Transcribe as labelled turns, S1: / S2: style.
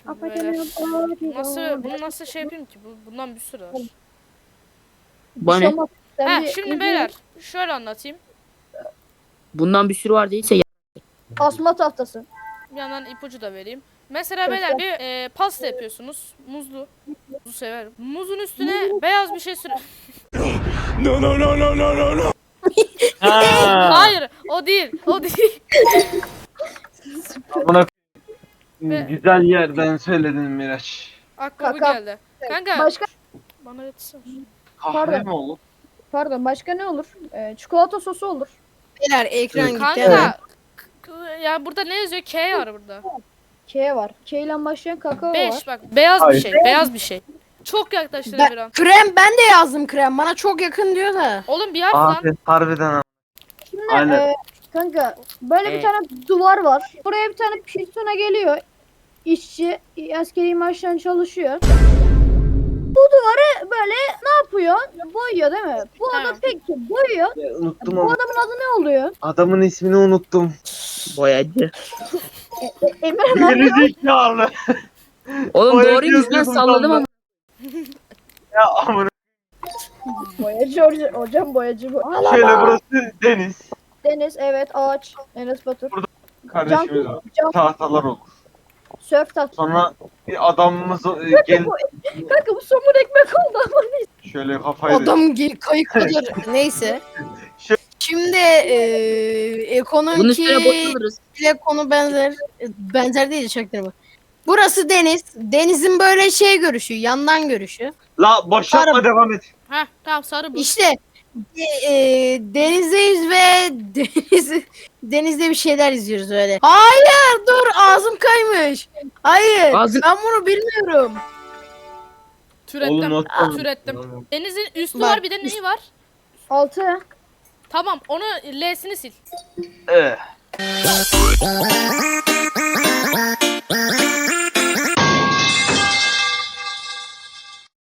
S1: Şimdi böyle. Bunu nasıl şey yapayım ki? Bundan bir sürü var.
S2: Bu ne?
S1: Şimdi beyler şöyle anlatayım.
S2: Bundan bir sürü var değilse
S3: Asma tahtası.
S1: Bir yandan ipucu da vereyim. Mesela beyler bir pasta yapıyorsunuz. Muzlu. Muzu severim. Muzun üstüne beyaz bir şey süre...
S4: No no no no no no no.
S1: Hayır, o değil. O değil.
S5: Buna
S1: Ve-
S5: güzel yerden söyledin Miraç.
S1: Aklıma bu
S3: Kaka.
S1: geldi. Kanka
S3: Başka
S1: bana öğretsene.
S5: Kahve
S3: Pardon.
S5: mi olur?
S3: pardon başka ne olur? Çikolata sosu olur.
S6: Beyler ekran gitti hemen.
S1: Kanka ya burada ne yazıyor? K var burada.
S3: K var. K ile başlayan kakao var.
S1: 5 bak beyaz bir
S5: Hayır.
S1: şey. Beyaz bir şey. Çok yaklaştın bir an.
S6: Krem ben de yazdım krem. Bana çok yakın diyor da.
S1: Oğlum bir yap lan.
S5: Abi harbiden abi.
S3: Şimdi
S5: Aynen.
S3: kanka böyle bir
S2: Evet.
S3: tane duvar var. Buraya bir tane pistona geliyor. İşçi askeri maaştan çalışıyor. Bu duvarı böyle ne yapıyor? Boyuyor değil mi? Bu adam
S1: Tamam.
S3: peki boyuyor.
S5: Unuttum
S3: Bu
S5: ama.
S3: adamın adı ne oluyor?
S5: Adamın ismini unuttum.
S2: boyacı.
S3: Emre abi.
S5: Gerizekalı.
S2: Oğlum
S5: Boyacı
S2: doğruymuş lan
S5: yazıyordum
S2: salladım
S5: tam
S2: ama.
S5: Ya amına.
S3: Boyacı hocam boyacı bu.
S5: Şöyle burası deniz.
S3: Deniz evet ağaç. Enes Batur.
S5: Kardeşimiz var.
S3: Cam
S5: Tahtalar olur.
S3: sörf tahtası.
S5: Sonra bir adamımız gel
S3: Kanka bu somun ekmek oldu ama neyse.
S5: şöyle kafayı
S6: Adam kayıklıdır. Neyse.
S5: Şu-
S6: Şimdi
S2: Bunun
S6: ekonomi
S2: üstüne boşalırız.
S6: ile konu benzer. Benzer değil çaktırma. Burası deniz. Denizin böyle şey görüşü, yandan görüşü.
S5: La boşaltma
S6: Araba.
S5: devam et.
S1: Heh tamam sarı bu.
S6: İşte denizdeyiz ve denizde bir şeyler izliyoruz öyle. Hayır dur ağzım kaymış. Hayır
S2: Ağzın-
S6: ben bunu bilmiyorum.
S1: Türettim.
S5: Oğlum not
S1: Türettim. Denizin üstü
S6: Bak.
S1: var bir de neyi var?
S3: 6.
S1: Tamam onu L'sini sil.
S5: Eh.